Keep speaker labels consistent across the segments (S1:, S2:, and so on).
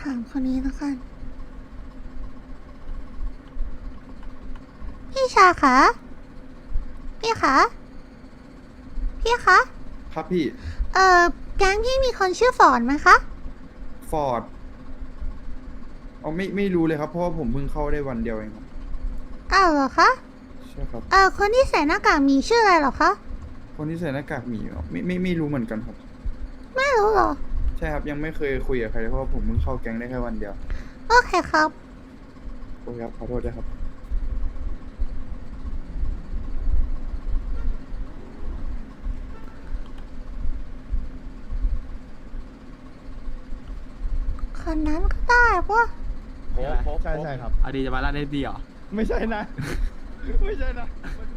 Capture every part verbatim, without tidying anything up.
S1: ถามคนนี้แล้วกันพี่ชาคะพี่คะพี่คะ
S2: ครับพี่
S1: เอ่อแก๊งพี่มีคนชื่อฟอร์ดไหมคะ
S2: ฟอร์ดอ๋อไม่ไม่รู้เลยครับ เพราะว่าผมเพิ่งเข้าได้วันเดียวเองครับ
S1: อ้าวเหรอคะ
S2: ใช่ครับ
S1: เอ่อคนที่ใส่หน้ากากมีชื่ออะไรเหรอคะ
S2: คนที่ใส่หน้ากากหมีเหรอไม่ไม่ไม่รู้เหมือนกันครับ
S1: ไม่รู้เหรอ
S2: ใช่ครับยังไม่เคยคุยกับใครเลยเพราะว่าผมเพิ่งเข้าแก๊งได้แค่วันเดียว
S1: โอเคครับ
S2: โอ้ยครับขอโทษด้วยครับ
S1: คนนั้นก็ได้ปะ
S3: โค้กโค้ก
S4: ใช่ใช่ครับ
S3: อดีจะมาล่าเนสดีเหรอ
S4: ไม่ใช่นะ ไม่ใช่นะ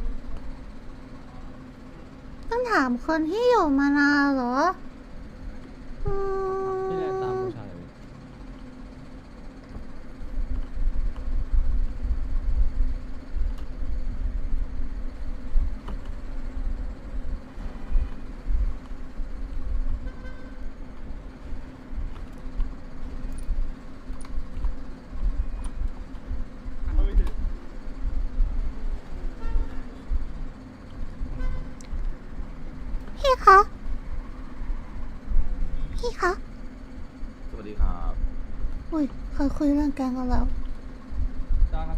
S1: ต้องถามคนที่อยู่มานานเหรออืม
S3: ไม่ได้ตามผู้ชาย
S1: พี่คะ พี่คะ
S5: สวัสดีครับ
S1: อุ้ยเคยคุยเรื่องแกงกันแล้ว
S3: จ้าครับ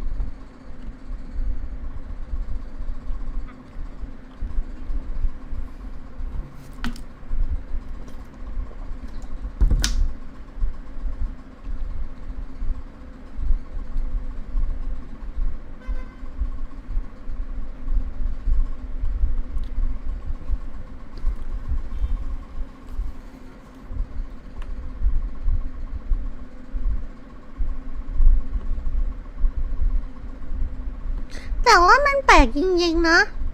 S1: แต่ว่ามันแปลกจริงๆนะ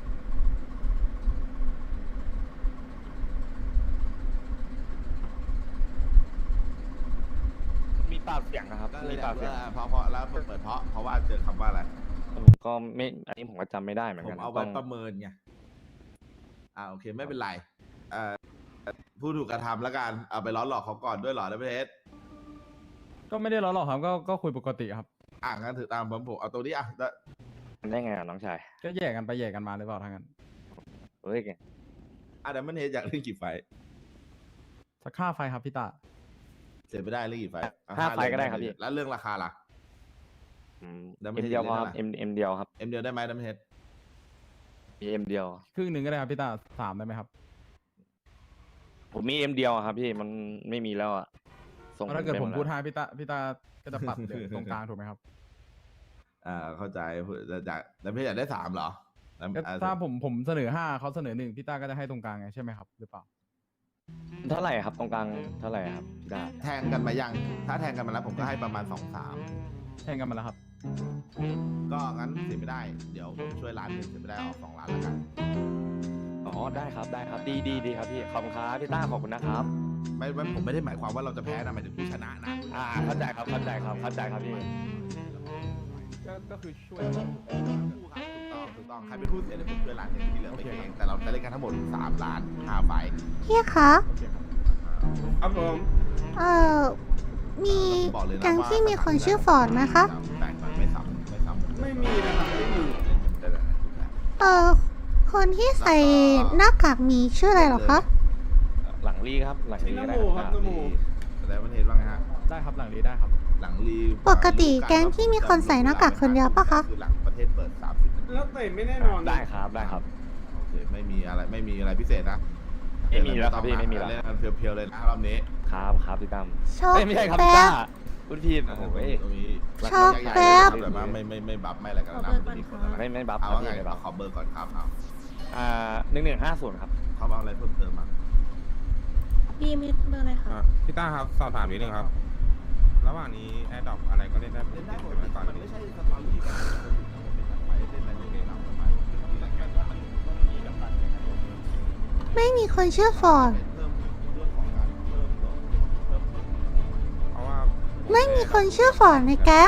S6: มีปากเสียงนะครับ
S5: ก็เล
S6: มี
S5: ย
S6: ปากเสียง
S5: เพราะเพราะแล้วเปิดเพราะเพราะว่าเจอคำว่าอะไร
S6: ผมก็ไม่อันนี้ผมก็จำไม่ได้เหมือน
S5: ผ
S6: กั
S5: ม
S6: น
S5: เอา
S6: ต้
S5: ไว้
S6: อง
S5: ประเมินไง อ่าโอเคไม่เป็นไรเอ่อผู้ถูกกระทำแล้วกัน เอาไปล้อหลอกเขาก่อนด้วยเหรอในประเทศ
S3: ก็ไม่ได้ล้อหรอกครับ ก็ก็คุยปกติครับ
S5: อ่างั้นถือตามผมผมเอาตัวนี้อ่ะแล้ว
S6: ได้ไงอ่ะน้องชาย
S3: ก็แยกกันไปแยกกันมาหรือเปล่าทางนั้น
S6: เฮ้ย
S5: อ่ะเดี๋ยวมันเฮดอยากเล่นกี่ไฟท์
S3: สักค่าไฟครับพี่ตา
S5: เสียไม่ได้เล่นกี่ไฟท์อ่ะ
S6: ห้าไฟล์
S5: เรื่อง
S6: ก็ได้ครับพี่
S5: แล้วเรื่องราคาล่ะ
S6: อืม
S5: แล้วไม่
S6: เอ็ม
S5: ใช่
S6: เดียวพอ
S5: เล่น
S6: ครับ
S5: อะไร
S6: เอ็มเอ็มเดียวครับ
S5: เอ็มเดียวได้ไหมดัมเฮด
S6: มีเอ็มเดียว
S3: ครึ่งหนึ่งก็ได้ครับพี่ตาสามได้ไหมครับ
S6: ผมมีเอ็มเดียวอะครับพี่มันไม่มีแล้วอ่ะส่ง
S3: ถ้าเกิดผม
S6: ไปห
S3: พูด
S6: แล้ว
S3: ให้พี่ตาพี่ตาก็จะปัดเหลือตรงกลางถูกไหมครับ
S5: อ่าเข้าใจจะจากดัมเฮดอยากได้สามเหรอ
S3: ก็ถ้าผมผมเสนอห้าเขาเสนอหนึ่งพี่ตาก็จะให้ตรงกลางไงใช่ไหมครับหรือเปล่า
S6: เท่าไหร่ครับตรงกลางเท่าไหร่ครับพี่ดา
S5: แทงกันมายัง ถ้าแทงกันมาแล้วผมก็ให้ประมาณสองสาม
S3: แข่งกันมาแล้วครับ
S5: ก็งั้นเสียไม่ได้ เดี๋ยวผมช่วยร้านหนึ่งเสียไม่ได้ออกสองล้านแล้วกัน
S6: อ๋อได้ครับได้ครับดีดีดีครับพี่ขอบคุณครับพี่ต้าขอบคุณนะครับ
S5: ไม่ไม่ผมไม่ได้หมายความว่าเราจะแพ้นะหมายถึงผู้ชนะนะ
S6: อ่าเข้าใจครับเข้าใจครับเข้าใจครับพี่
S3: ก็ก็คือช่วย
S5: ถูกต้องถูกต้องใครเป็นผู้เสียเดี๋ยวผมช่วยร้านหนึ่งที่เหลือไปเองแต่เราจะเล่นกันทั้งหมดสามล้านห้าไฟล์
S1: พี่คะ
S3: โอเคครับ
S2: ครับผม
S1: เอ่อ มี
S5: บอกเลยนะ
S1: แก๊ง
S5: ว่า
S1: ที่มีคนชื่อฟอร์ดไหมคะ
S5: แบ่งมันไม่ซ้ำไม่ซ้ำ
S2: ไม่มีนะครับไม่มี
S5: ได้เลยนะ
S1: เอ่อ คนที่ใส่หน้ากากมีชื่ออะไรเหรอคะ
S6: หลังลีครับหลังลีก็ได้
S2: ชื่อ
S6: ค
S2: น้ำ
S6: รับ
S2: หมูครับ
S5: แต่มันเห็นว่าไงฮะ
S3: ได้ครับหลังนี้ได้ครับ
S5: หลังรี
S1: ปกติแก๊งที่มีคนใส่หน้ากากคนเดียวปะคะ
S5: คือหลังประเทศเปิดสามสิบนาที
S2: แล้วแต่ไม่แน่นอนนะ
S6: ได้ครับได้ครับ
S5: โอเคไม่มีอะไรไม่มีอะไรพิเศษนะ
S6: ไม่มีแล้วครับพี่ไม่มีแล้ว
S5: เล่นกันเพียวๆเลยนะรอบนี้
S6: ครับครับพี่ตั้ม
S1: โชค
S6: เอ้ยไม่ใช่ครับ
S1: แป๊
S6: พี่ต้า
S1: บ
S6: คุณพีโอ้โห
S5: ตรงนี้
S1: ชอบแป๊บ
S5: แบบว่าไม่ไม่ไม่บัฟไม่อะไรกันนะมันจะมีคนอะไร
S6: ไม่ไม่บัฟ
S5: เอา
S6: ครับ
S5: ว่าไง
S6: พี่ไม่บัฟ
S5: ขอเบอร์ก่อนครับเอา
S6: อ่าหนึ่งหนึ่งห้าศูนย์ครับ
S5: เขาเอาอะไรเพิ่มเติมมา
S7: บีมีเบอร์อะไรคะ
S4: อ่ะพี่ต้าครับสอบถามนิดนึงครับ ระหว่างนี้แอร์ดรอปอะไรก็เล่นได้ปก
S5: เล่น
S4: ติ
S5: ได้หมด
S4: ใช่ไหมก่อน
S5: มันไม่ใช่สตอรี่แบบไปเล่นอะไรอย่างเงี้ยเราไปมีอะไรกันมันมีแบบการแข่งขัน
S1: ไม่มีคนชื่อฟอร์ด
S5: เพิ่มเรื่องของการเพิ่มเพิ่มเพิ่ม
S4: เพราะว่า
S1: ไม่มีคนชื่อฟอร์ดในแก๊ง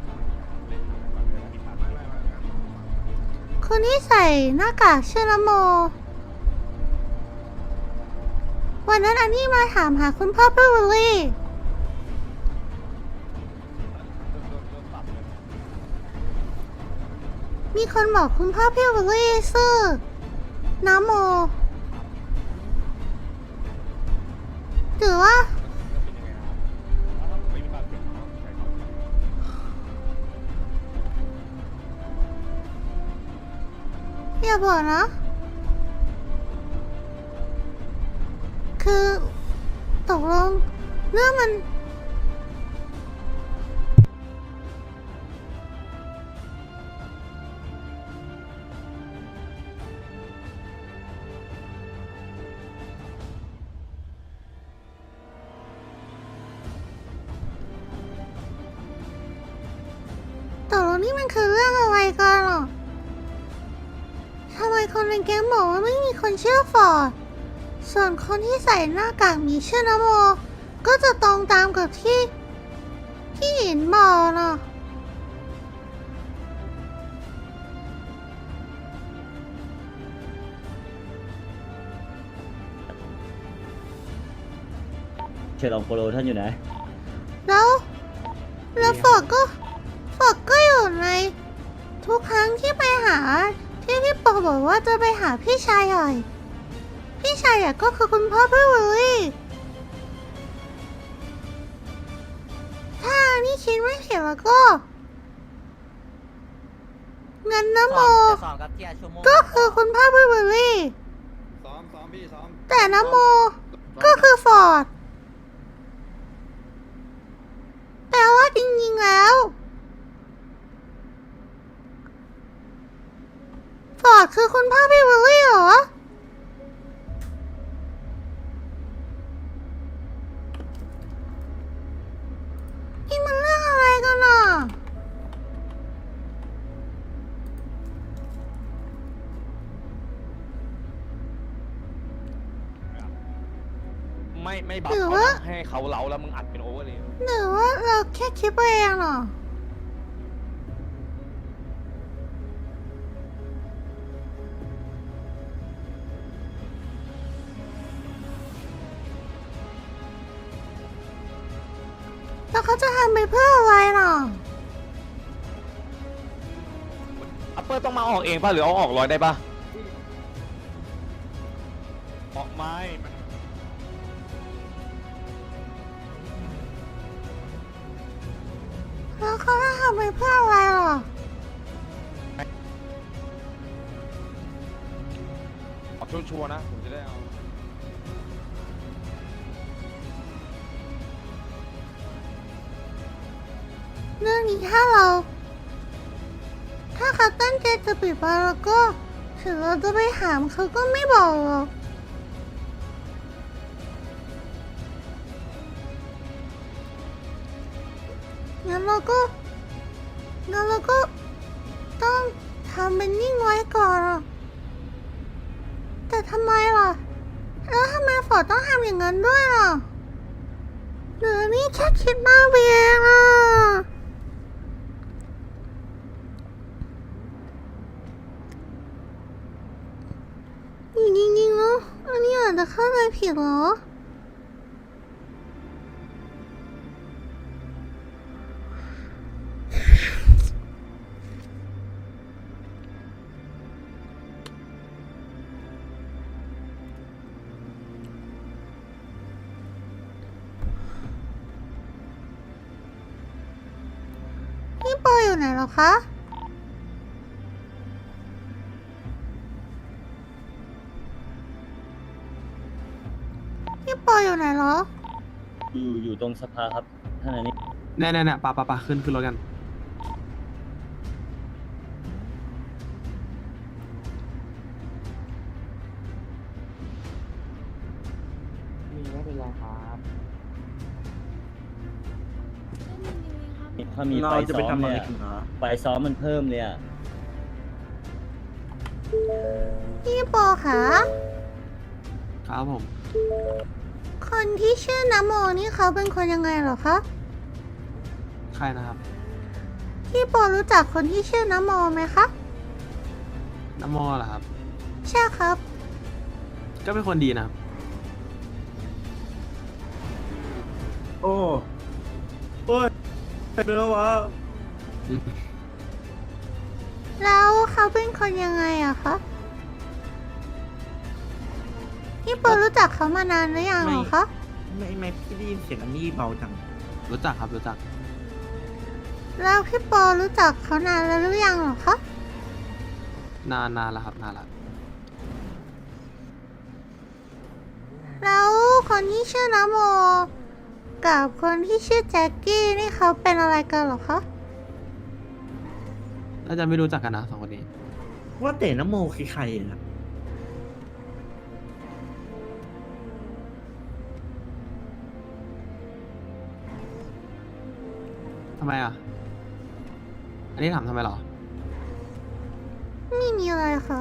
S1: คนที่ใส่หน้ากากชื่อนโม วันนั้นอันนี้มาถามหาคุณพ่อพี่วิลลี่มีคนบอกคุณพ่อพี่วิลลี่ซื่อน้ำโมหรือว่าอย่าบอกนะ คือตกลงเรื่องมัน ตกลงนี่มันคือเรื่องอะไรกันหรอทำไมคนในแก๊งบอกว่าไม่มีคนเชื่อฟอร์ด ส่วนคนที่ใส่หน้ากากมีชื่อนโม ก็จะตรงตามกับที่ที่หยินบอกนะ
S8: เชลองโปโลท่านอยู่ไหน
S1: แล้ว แล้วฟอร์ดก็ฟอร์ดก็อยู่ใน ทุกครั้งที่ไปหา ที่พี่ปอบอกว่าจะไปหาพี่ชายใหญ่ พี่ชายใหญ่ก็คือคุณพ่อพี่วิลลี่ ถ้านี่คิดไม่ผิดแล้วก็งั้นนโม
S9: สอนกับเทียชั่วโมง
S1: ก็คือคุณพ่อพี่วิลลี่
S2: ซ้อมซ้อมพี่ซ้อม
S1: แต่นโม ก็คือฟอร์ด แปลว่าจริงๆแล้ว ฟอร์ดคือคุณพ่อพี่วิลลี่เหรอ นี่มันเรื่องอะไรกันอ่ะ
S6: ไม่ไม่บัฟ
S1: หรือ
S6: เขา
S1: ว่า
S6: นะให้เขาเล้าแล้วมึงอัดเป็นโอเวอร์เลย
S1: หรือว่าเราแค่คิดไปเองเหรอ แล้วเขาจะทำไปเพื่ออะไรหรอ
S6: อัปเปอร์ต้องมาออกเองป่ะหรือเอาออกร้อยได้ป่ะออกไม้
S1: แล้วเขาจะทำไปเพื่ออะไรหรอ
S6: ออกชัวร์ๆนะผมจะได้เอา
S1: เรื่องนี้ถ้าเรา ถ้าเขาตั้งใจจะปิดบังแล้วก็ถึงเราจะไปถามเขาก็ไม่บอกหรอก งั้นเราก็ งั้นเราก็ต้องทำเป็นนิ่งไว้ก่อนอะแต่ทำไมล่ะ แล้วทำไมฟอร์ดต้องทำอย่างนั้นด้วยล่ะหรือนี่แค่คิดมากไปเองอ่ะอยู่จริงๆแล้วอันนี้อาจจะเข้าใจผิดเหรอ พี่ปออยู่ไหนเหรอคะ พี่ปออยู่ไหนเหรอ
S8: อยู่อยู่ตรงสภาครับท่านอันนี้
S10: แน่แน่แน่ปะปะปะขึ้นขึ้นรถกัน
S8: ถ้ามีไฟซ้อมเนี่ยไฟซ้อมมันเพิ่มเลยอ่ะ
S1: พี่ปอคะ
S10: ครับผม
S1: คนที่ชื่อนโมนี่เขาเป็นคนยังไงเหรอคะ
S10: ใครนะครับ
S1: พี่ปอรู้จักคนที่ชื่อนโมไหมคะ
S10: น้ำมอเหรอครับ
S1: ใช่ครับ
S10: ก็เป็นคนดีนะครับ
S11: โอ้โอ้ยเป็นแล้ววะ
S1: แล้วเขาเป็นคนยังไงอะคะพี่โปรู้จักเขามานานหรือยังเหรอคะ
S11: ไม่ไม่พี่ได้ยินเสียงอันนี้เบาจัง
S10: รู้จักครับรู้จัก
S1: แล้วพี่โปรู้จักเขานานแล้วหรือยังเหรอคะ
S10: นานนานแล้วครับนานแล้ว
S1: แล้วคนที่ชื่อนโมกับคนที่ชื่อแจ็คกี้นี่เขาเป็นอะไรกันเหรอคะ
S10: น่าจะไม่รู้จักกันนะสองคนนี้
S11: ว่าแต่น้ำโมคือใครอะ
S10: ทำไมอ่ะ อันนี้ถามทำไมเหรอ
S1: ไม่มีอะไรค่ะ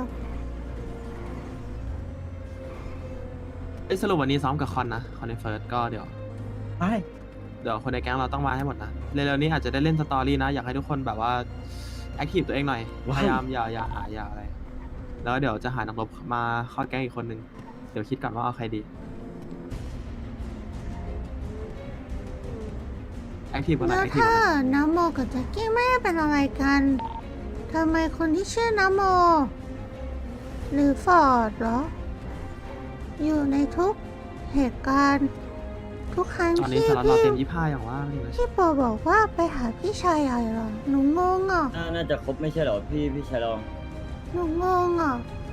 S10: เอ้ยสรุปวันนี้ซ้อมกับคอนนะคอนในเฟิร์สก็เดี๋ยว
S11: ไอ้
S10: เดี๋ยวคนในแก๊งเราต้องมาให้หมดนะเร็วๆนี้อาจจะได้เล่นสตอรี่นะ อยากให้ทุกคนแบบว่าแอคทีฟตัวเองหน่อย พยายามอย่าอย่าหาอย่าอะไร แล้วเดี๋ยวจะหานักรบมาเข้าแก๊งอีกคนนึง เดี๋ยวคิดก่อนว่าเอาใครดีแอคทีฟกันหน่
S1: แล้ อ
S10: อยว แอคทีฟ
S1: ถ้า
S10: กันหน่อย
S1: น้ำโมกับแจ็คกี้ไม่ได้เป็นอะไรกันทำไมคนที่ชื่อน้ำโม หรือฟอร์ดเหรอ อยู่ในทุกเหตุการณ์ ทุกครั้ง
S10: ตอนนี้
S1: ที่
S10: สล็อตเรา
S1: พี่
S10: เต็มยี่ห้าอย่างว่าเลย
S1: พี่โปบอกว่าไปหาพี่ชายใหญ่เหรอ หนูงงอ่ะ
S8: น่าน่าจะครบไม่ใช่เหรอพี่พี่ชายรอง
S1: หนูงงอ่ะ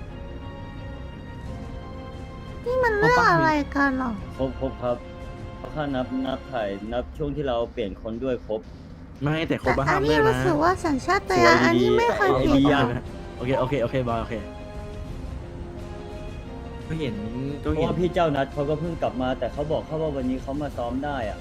S1: นี่มันเรื่องอะไรกันเหรอ
S8: ครบครบครับเพราะถ้านับนับถ่ายนับช่วงที่เราเปลี่ยนคนด้วยครบ
S11: ไม่แต่ค
S1: แต่
S11: นบ้า
S1: อั
S11: ห้าน ม
S1: นี้
S11: เลย
S1: รู้
S11: นะ
S1: สึกว่าสัญชาตญาณอันนี้ไม่เคยเปลี่ยน
S8: ดี
S1: เล
S8: อะ
S1: ย
S11: โอเคโอเคโอเคบอยโอเคก็เห็นก็
S8: เพราะ
S11: เห็น
S8: ว่าพี่เจ้านัดเขาก็เพิ่งกลับมา แต่เขาบอกเขาว่าวันนี้เขามาซ้อมได้อะ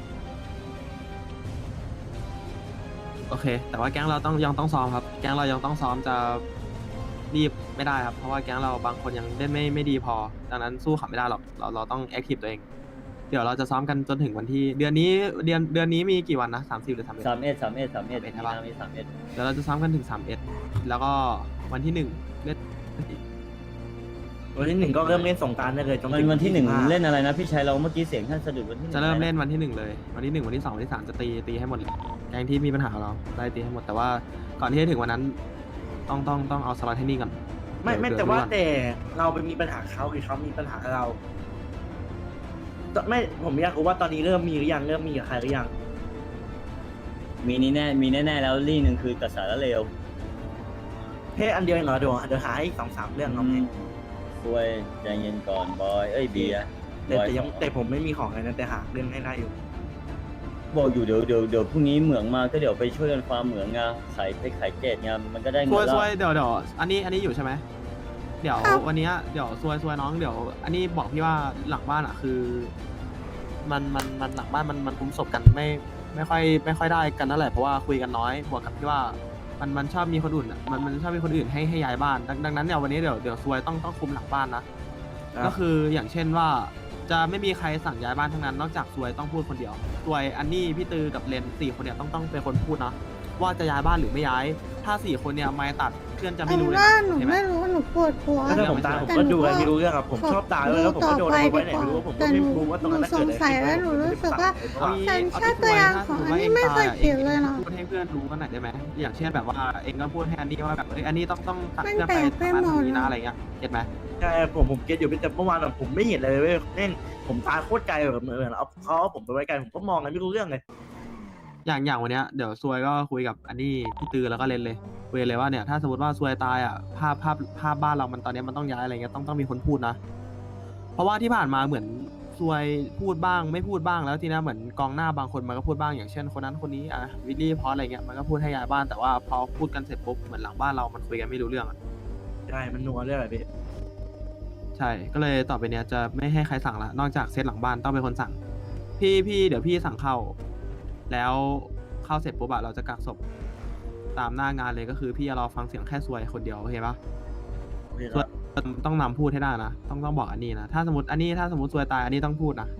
S10: โอเค แต่ว่าแก๊งเราต้องยังต้องซ้อมครับ แก๊งเรายังต้องซ้อมจะรีบไม่ได้ครับ เพราะว่าแก๊งเราบางคนยังเล่นไม่ไม่ดีพอ ดังนั้นสู้เขาไม่ได้หรอก เราเราต้องแอคทีฟตัวเอง เดี๋ยวเราจะซ้อมกันจนถึงวันที่ เดือนนี้เดือนเดือนนี้มีกี่วันนะสามสิบหรือสามเอ็ด
S8: สามเอ็ดสามเอ็ดสามเอ็ด
S10: สามเอ็ด
S8: มี
S10: ใช่ปะ
S8: นามีสามเอ็ด
S10: เดี๋ยวเราจะซ้อมกันถึงสามเอ็ดแล้วก็วันที่หนึ่งเล่น
S11: วันที่หนึ่งก็เริ่มเล่นสงกรารได้เลยจน
S8: มัน
S11: ถึง
S8: วันที่หนึ่ง
S11: ยี่สิบา
S8: เล่นอะไรนะพี่ชายเราเมื่อกี้เสียงท่านสะดุดวันที่หนึ่ง
S10: จะเริ่มเล่น
S8: อไะ
S10: วันที่หนึ่งเลย วันที่หนึ่งวันที่สองวันที่สามจะตีตีให้หมดเลยแก๊งที่มีปัญหากับเราได้ตีให้หมด แต่ว่าก่อนที่จะถึงวันนั้น ต้องต้องต้องเอาสล็อตให้นี่ก่อน
S11: ไม่ไม่
S10: เดี๋ย
S11: แต่
S10: เดี๋ย
S11: ว่า
S10: ดูก่อน
S11: แต่เราไปมีปัญหาเขาหรือเขามีปัญหากับเราแต่ไม่ผมอยากรู้ว่าตอนนี้เริ่มมีหรือยังเริ่มมีกับใครหรือยัง
S8: มีนี่แน่มีแน่ๆแล้วลี่หนึ่งคือกระแสละเลว
S11: เฮ้อันเดียวเองเหรอเดี๋ยวเดี๋ยวหาอีกสองสามเรื่องเอา
S8: อื
S11: ไหม
S8: มช่วยใจเย็นก่อนบอยเอ้ยเบียร์
S11: แต่
S8: บอย
S11: แต่ยังแต่ผมไม่มีของเลยนะแต่หาเรื่องให้ได้อยู่
S8: บอกอยู่เดี๋ยวเดี๋ยวเดี๋ยวพรุ่งนี้เหมืองมาก็เดี๋ยวไปช่วยกันฟาร์มเหมืองไงขายไปขายเกตไงมันก็ได้
S10: ซ
S8: เงิ
S10: วย
S8: นแล้
S10: ซ
S8: ว
S10: วยเดี๋ยวเดี๋ยวอันนี้อันนี้อยู่ใช่ไหมเดี๋ยว
S1: ครับ
S10: วันเนี้ยเดี๋ยวซวยซวยน้องเดี๋ยว อันนี้บอกพี่ว่าหลังบ้านอ่ะคือ มันมันมันหลังบ้านมันมันคุ้มศพกันไม่ไม่ค่อยไม่ค่อยได้กันนั่นแหละเพราะว่าคุยกันน้อยบวกกับที่ว่ามันมันชอบมีคนอื่นอะมันมันชอบมีคนอื่นให้ให้ย้ายบ้านดังดังนั้นเนี่ยวันนี้เดี๋ยวเดี๋ยวซวยต้องต้องคุมหลังบ้านนะ ก็คืออย่างเช่นว่าจะไม่มีใครสั่งย้ายบ้านทั้งนั้นนอกจากซวยต้องพูดคนเดียวซวยอันนี้พี่ตือกับเลนสี่คนเนี่ยต้องต้องเป็นคนพูดนะว่าจะย้ายบ้านหรือไม่ย้าย ถ้าสี่คนเนี่ยไม่ตัดเพื่อนจะไม่
S1: เอา
S10: รู้เลย
S1: ว่า
S10: นะ
S1: หนู
S10: เห็นไหม
S1: ไม่รู้หนูปวดหัว
S11: ถ้าผมตายผม
S1: แต่
S11: ก็ดู
S1: ห
S11: อะไร
S1: นู
S11: ไม่รู้เรื่องครับผมชอบตายแล้วผมก็โดนเอาไว้ไหนไม่รู้ผมก็ไม่รู้ว่าตรงนั้น
S1: หนูสงสัยแล้วหนูรู้สึกว่า
S10: เอางี้
S1: สัญ
S10: เอา
S1: ชา
S10: ที่
S1: ต
S10: ซวย
S1: ญาณ
S10: ถ้า
S1: ข
S10: ส
S1: อ
S10: ม
S1: ง
S10: มติ
S1: อัน
S10: ว่า
S1: นี้
S10: เอง
S1: ไม่เค
S10: ตาย
S1: ย
S10: อะ
S1: เปลี่ยนเลยเนาะ
S10: พูดให้เพื่อนรู้กันหน่อยได้ไหมอย่างเช่นแบบว่าเองก็พูดให้อันนี้ว่าแบบเอ้ยอันนี้ต้องต้องตัด
S1: มัน
S10: เพื่อน
S1: แป
S10: ไป
S1: ลกไป
S10: ทำ
S1: หมด
S10: งานทำนี้นะอะไรเงี้ยเก็ตไหม
S11: ใช่ผมผมเก็ตอยู่แต่เมื่อวานผมไม่เห็นเลยเว้ยเล่นผมตายโคตรไกลแบบเหมือนเอาเขาเอาผมไปไว้ไกลผมก็มองอะไรไม่รู้เรื่องเลย
S10: อย่างอย่างวันเนี้ยเดี๋ยวซวยก็คุยกับอันนี้พี่ตือแล้วก็เลนเลยคุยเลยว่าเนี่ยถ้าสมมติว่าซวยตายอ่ะภาพภาพภาพบ้านเรามันตอนเนี้ยมันต้องย้ายอะไรเงี้ยต้องต้องมีคนพูดนะ เพราะว่าที่ผ่านมาเหมือนซวยพูดบ้างไม่พูดบ้างแล้วทีนี้เหมือนกองหน้าบางคนมันก็พูดบ้างอย่างเช่นคนนั้นคนนี้อ่ะวิลลี่พอสอะไรเงี้ยมันก็พูดให้ย้ายบ้านแต่ว่าพอพูดกันเสร็จปุ๊บเหมือนหลังบ้านเรามันคุยกันไม่รู้เรื่องอะ
S11: ใช่มันนัวเรื่องอะไรพี่
S10: ใช่ก็เลยต่อไปเนี้ยจะไม่ให้ใครสั่งละนอกจากเซตหลังบ้านต้องเป็นคนสั่ง พี่พี่เดี๋ยวพี่สั่งเข้า แล้วเข้าเสร็จปุ๊บอะเราจะกักศพตามหน้างานเลยก็คือพี่จะรอฟังเสียงแค่ซวยคนเดียวโอเคปะ
S11: โอเคครับ
S10: ต้องนำพูดให้ได้นะ ต้องต้องบอกอันนี้นะ ถ้าสมมติอันนี้ถ้าสมมติซวยตายอันนี้ต้องพูดนะ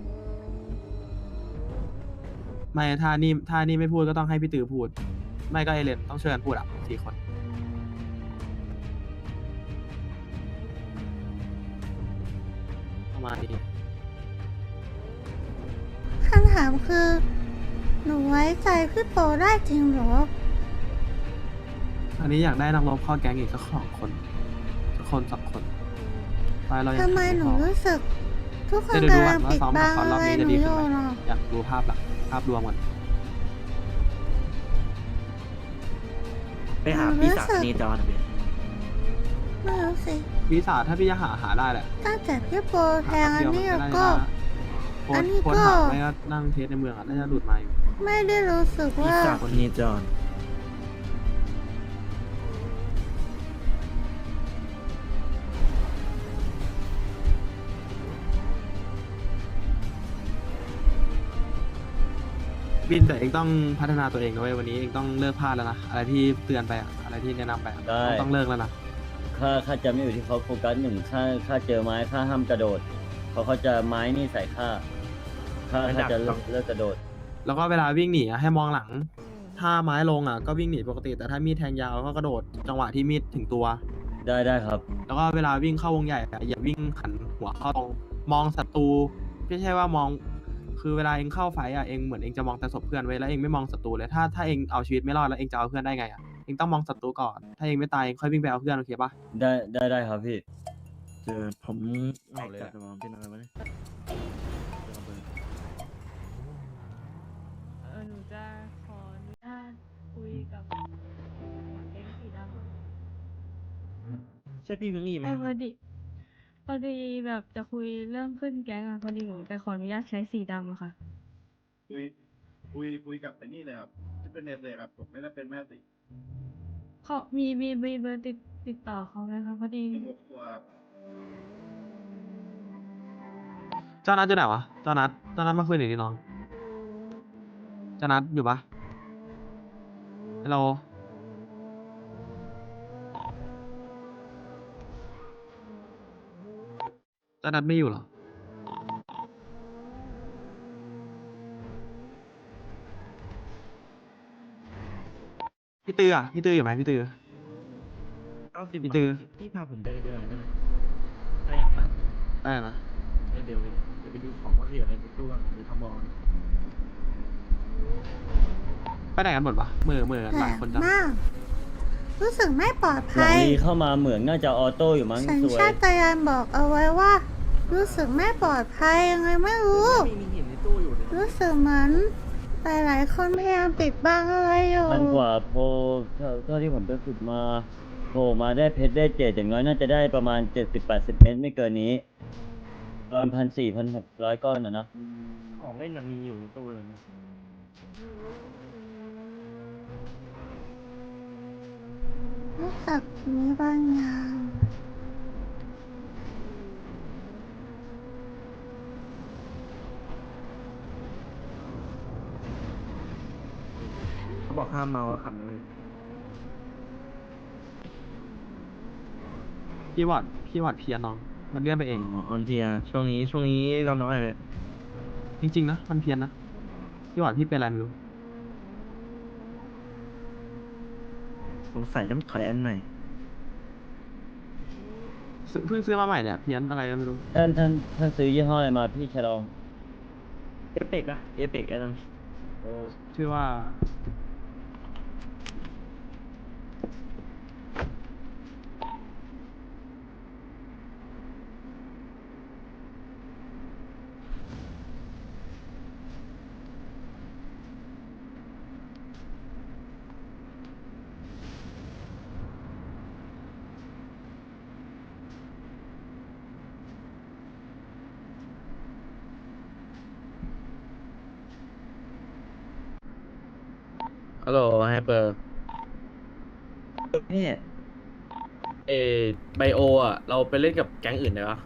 S10: ไม่ถ้านี่ถ้านี่ไม่พูดก็ต้องให้พี่ตือพูด ไม่ก็เอเลนต้องช่วยกันพูดอ่ะสี่คน ประมาณนี้
S1: คำถามคือ หนูไว้ใจพี่โปได้จริงเหรอ
S10: อันนี้อยากได้นักรบเข้าแก๊งอีกสักสองคนสักคนสองคนไปเรายัง
S1: ทำไมหนู
S10: พอ
S1: รู้สึก ทุกคน
S10: เดี๋ยวดู
S1: กำ
S10: ก่
S1: ลั
S10: อน
S1: ง
S10: ว่า
S1: ปิด
S10: ซ้อม
S1: บั
S10: ละ
S1: ง
S10: ครรอบ
S1: อะไร
S10: นี้
S1: ห
S10: จะ
S1: นู
S10: ดี
S1: อ
S10: ขึ้น
S1: ยู่
S10: ไหม
S1: เนาะ
S10: อยากดูภาพหลักภาพรวมก่อน
S11: ไปหาปีศาจเนจรนะเบส
S1: ไม่รู้สิ
S10: วิสาถ้าพี่จะหาหาได้แหละ
S1: ตั้งแต่พี่โปรแทงอันนี้
S10: เดียวมัน
S1: ก็
S10: โพ
S1: อั
S10: ส
S1: น
S10: ต์
S1: นี้
S10: โพสต์
S1: ก็
S10: หาไม่ก็นั่งเทสในเมืองอ่ะน่าจะหลุดมาอยู่
S1: ไม่ได้รู้สึก
S11: ปี
S1: ว่า
S11: ศาจเนจร
S10: บินแต่เองต้องพัฒนาตัวเองนะเว้ยวันนี้เองต้องเลิกพลาดแล้วนะอะไรที่เตือนไปอะอะไรที่แนะนำไปอะ
S8: ได้
S10: ต้องต้องเลิกแล้วนะ
S8: ค่าค่าจะไม่อยู่ที่เขาโฟกัสหนึ่งค่าค่าเจอไม้ค่าห้ามกระโดดเพราะเขาจะไม้นี่ใส่ค่าค่าค่าจะเลิกเลิกกระโดด
S10: แล้วก็เวลาวิ่งหนีอะให้มองหลัง ถ้าไม้ลงอ่ะก็วิ่งหนีปกติ แต่ถ้ามีดแทงยาวก็กระโดดจังหวะที่มีดถึงตัว
S8: ได้ได้ครับ
S10: แล้วก็เวลาวิ่งเข้าวงใหญ่อะอย่าวิ่งหันหัวเข้าตรงมองศัตรูไม่ใช่ว่ามอง คือเวลาเองเข้าไฟต์อ่ะเองเหมือนเองจะมองแต่ศพเพื่อนไว้แล้วเองไม่มองศัตรูเลยถ้าถ้าเองเอาชีวิตไม่รอดแล้วเองจะเอาเพื่อนได้ไงอ่ะเองต้องมองศัตรูก่อนถ้าเองไม่ตายเองค่อยวิ่งไปเอาเพื่อนโอเคปะ
S8: ได้ได้ได้ครับพี่
S11: เจอผมแม็กจัดมองเป็นอะไรวะเนี่ย
S7: เออหนูจะขออนุญาตคุยกับแก๊งสีดำ
S11: ใช่พี่พิงลี่ไหม
S7: เออพอดีพอดีแบบจะคุยเรื่องขึ้นแก๊งอะพอดีหนูจะขออนุญาตใช้สีดำอะค่ะ
S9: คุยคุยคุยกับไอ้นี่เลยครับที่เป็นเน็ตเลยครับผมไม่ได้เป็นแม่ติ
S7: เขามีมีมีเบอร์ติดติดต่อเขาไหมคะพอดี
S9: หมดตัว
S10: เจ้านัดอยู่ไหนวะเจ้านัดเจ้านัดมาคุยหน่อยดิน้องเจ้านัดอยู่ปะฮัลโหลเจ้านัดไม่อยู่เหรอพี่ตืออ่ะพี่ตืออยู่ไหมพี่ตือ
S11: เอาสิ
S10: พี่ตือ
S11: พี่พาผมไปเดินได้ไหมไป
S10: ได้นะ
S11: เดี๋ยวเดี๋ยวไปดูของว่าเหลืออะไรในตู้ก่อนหรือทำบอล
S10: ไปไหนกันหมดวะเมื่อเมื่อ
S1: แป
S10: ห
S1: ล
S10: ลาย
S1: ก
S10: คนจัง
S1: มาก รู้สึกไม่ปลอด
S8: หลั
S1: ภั
S8: ง
S1: ย
S8: นี้เข้ามาเหมืองน่าจะออโต้อยู่มั้ง
S1: สัญ
S8: สวย
S1: ชาตญาณบอกเอาไว้ว่า รู้สึกไม่ปลอดภัยยังไงไม่รู้
S11: มีมีหินในตู้อยู่เลย
S1: รู้สึกเหมือนหลายๆคนพยายามปิดบังอะไรอยู่
S8: พันกว่าโพเท่าเท่าที่ผมไปฝึกมาโผล่มาได้เพชรได้เจ็ดอย่างน้อยน่าจะได้ประมาณเจ็ดสิบแปดสิบเมตรไม่เกินนี้ประมาณพันสี่พันหกร้อยก้อนนะนะ
S11: ของเล่นมันมีอยู่ในตู้เลย
S1: รู้สึกมีบางอย่าง
S11: เขาบอกห้ามเมาแล้วขับเลย
S10: พี่วอดพี่วอดเพียนน้อง มันเลื่อนไปเอง
S11: อ๋อออนเทียช่วงนี้ช่วงนี้เราน้อยเลย
S10: จริงๆนะมันเพี้ยนนะพี่หวานพี่เป็นอะไรไม่รู้
S11: สงสัยต้องถอยอันใหม่
S10: ซื้อเพิ่งซื้อมาใหม่เนี่ยเพี้ยนอะไรก็ไม่รู้
S8: ท่านท่านท่านซื้อยี่ห้ออะไรมาพี่ชะลอง
S11: เอเปกอะเอเปกไอ้นั่น
S10: ชื่อว่าฮัลโหลไฮเปอร์
S11: นี่
S10: เอไบโออ่ะเราไปเล่นกับแก๊งอื่นได้ปะ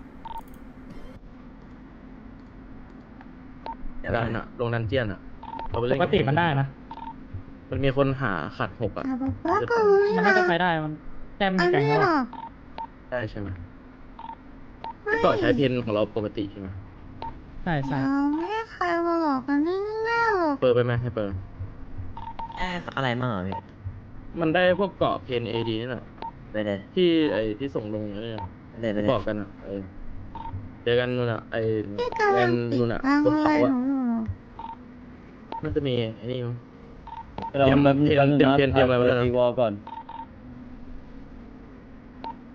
S10: ได้นะลงดันเจียนอ่ะเราไปเล่นปกติมันได้นะ มันมีคนหาขัดหกอ่ะ
S1: แต่บอกว่าก็รู้
S10: มัน
S1: นะ
S10: น่าจะไปได้มันแต้ม
S1: อั
S10: มี
S1: น
S10: แก๊ง
S1: นี้
S10: แล้ว
S1: เหรอ
S10: ได้ใช่ไหม
S1: ไม่
S10: ต่อใช้เพนของเราปกติใช่ไหมใช่ใช่
S1: เราไม่ให้ใครมาหลอกกันง่ายๆหรอก
S10: เปิดไปไหมให้เปิด
S8: อะไรมั่งอ่ะพี่
S10: มันได้พวกเกาะเพนเอดีนี่แหละ
S8: ไปเลย
S10: ที่ไอที่ส่งลงนี่น
S8: ไปเลยไปเลย
S10: บอกกันอ่ะเออเจอกันนู่นอ่ะไอ
S1: พี่กำ
S10: แล
S1: ลัง
S10: น
S1: ปิด
S10: นู่นอ่ะ
S1: บัง
S10: บน
S1: อะไร
S10: เขา
S1: ห
S10: อ่ะ
S1: นูอยู่เหรอ
S10: น่าจะมีไอ้นี่มั้ง
S8: เรา
S10: เตรียม
S8: แป๊บนึง
S10: เตรียม
S8: แป๊บนึงนะ
S10: เตรียมเตรียมอะไรไว้
S8: เปิด
S10: แล้วนะ
S8: ตีวอลก่อน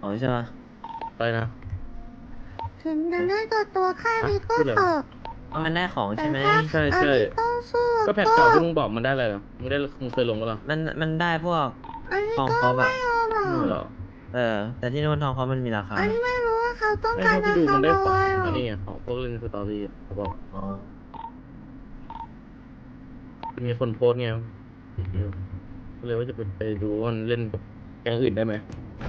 S8: อ๋อใช่ไหม
S6: อะไรนะ
S1: ถึงจะได้ตัวตัวแค่นี้ก็
S6: พูดเลย
S1: เถอะ
S8: อ๋อมันได้ของ
S1: แต่
S8: ใช่ไหม
S1: ถ้า
S6: ใช่
S1: อัน
S6: ใช่
S1: นี้ต้องสู้
S6: ก็แพทเก่าที่มึงบอกมันได้อะไรเหรอมึงได้มึงเคยลงปะล่ะ
S8: มันมันได้พวก
S1: อันนี้
S8: ทอง
S1: ก็
S8: ครบ
S1: ไม่
S8: อะ
S1: เอาหรอ
S6: ไม่เหรอ
S8: เออ แต่ที่นู่นทองเขามันมีราคา
S1: อันนี้ไม่รู้ว่าเขาต้อง
S6: ไม่
S1: การ
S6: เท่า
S1: จะ
S6: ที่ดูมัน
S1: ทำ
S6: ได้
S1: อะ
S6: ข
S1: ไร
S6: อง
S1: หรอ
S6: อันนี้ไงของพวกเล่นสตอรี่อะเขาบอก
S8: อ๋อ
S6: มีคนโพสต์ไงก็เลยว่าจะไปไปดูว่ามันเล่นกับแก๊งอื่นได้ไหม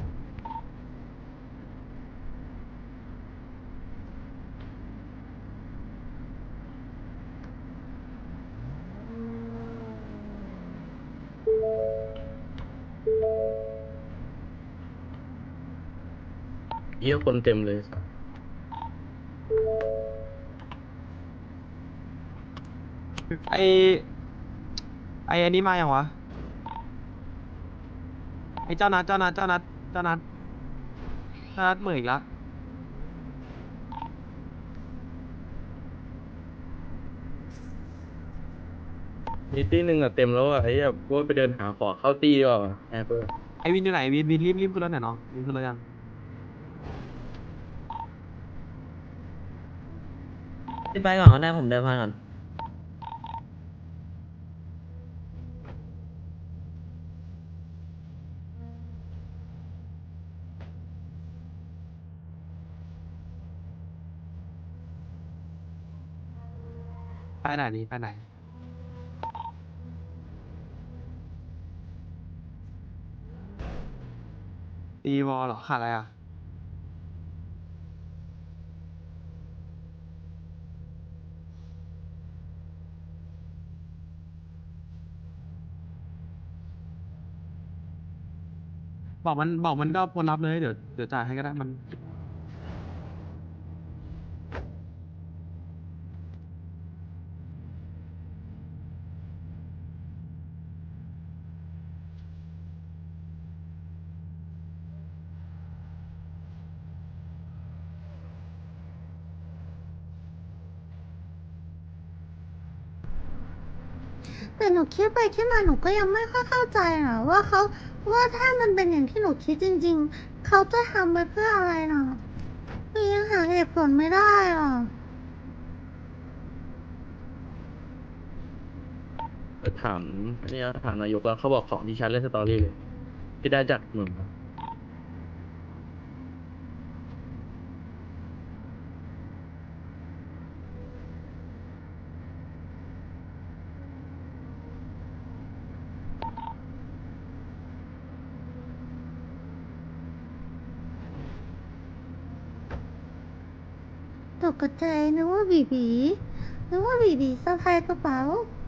S6: เยี่ยคนเต็มเลยสัส
S10: ไอไออันนี้มาอย่างวะ ไอเจ้านัดเจ้านัดเจ้านัดเจ้านัดเจ้านัดเหมืออีกละ
S6: มีตี้หนึ่งอะเต็มแล้วอะไอ้แบบว่าไปเดินหาขอเข้าตี้ดีกว่าแอปเปิล
S10: ไอวินอยู่ไหนวินวินรีบรีบขึ้นรถหน่อยน้องวินขึ้นรถยัง
S8: พี่ไปก่อนก็ได้ผมเดินผ่านก่อน
S10: ไปไหนนี่ไปไหน ตีวอลเหรอขาดอะไรอ่ะ บอกมันบอกมันก็พลรับเลยเดี๋ยวเดี๋ยวจ่ายให้ก็ได้มัน
S1: แต่หนูคิดไปคิดมาหนูก็ยังไม่ค่อยเข้าใจนะว่าเขาว่าถ้ามันเป็นอย่างที่หนูคิดจริง ๆ เขาจะทำไปเพื่ออะไรนะหนูยังหาเหตุผลไม่ได้หรอ
S6: ถามนี่นะถามนายกแล้วเขาบอกของที่ชัดเล่นสตอรี่เลยที่ได้จากมึงครับ
S1: ตกใจนึกว่าบีบีนึกว่าบีบีสะพายกระเป๋า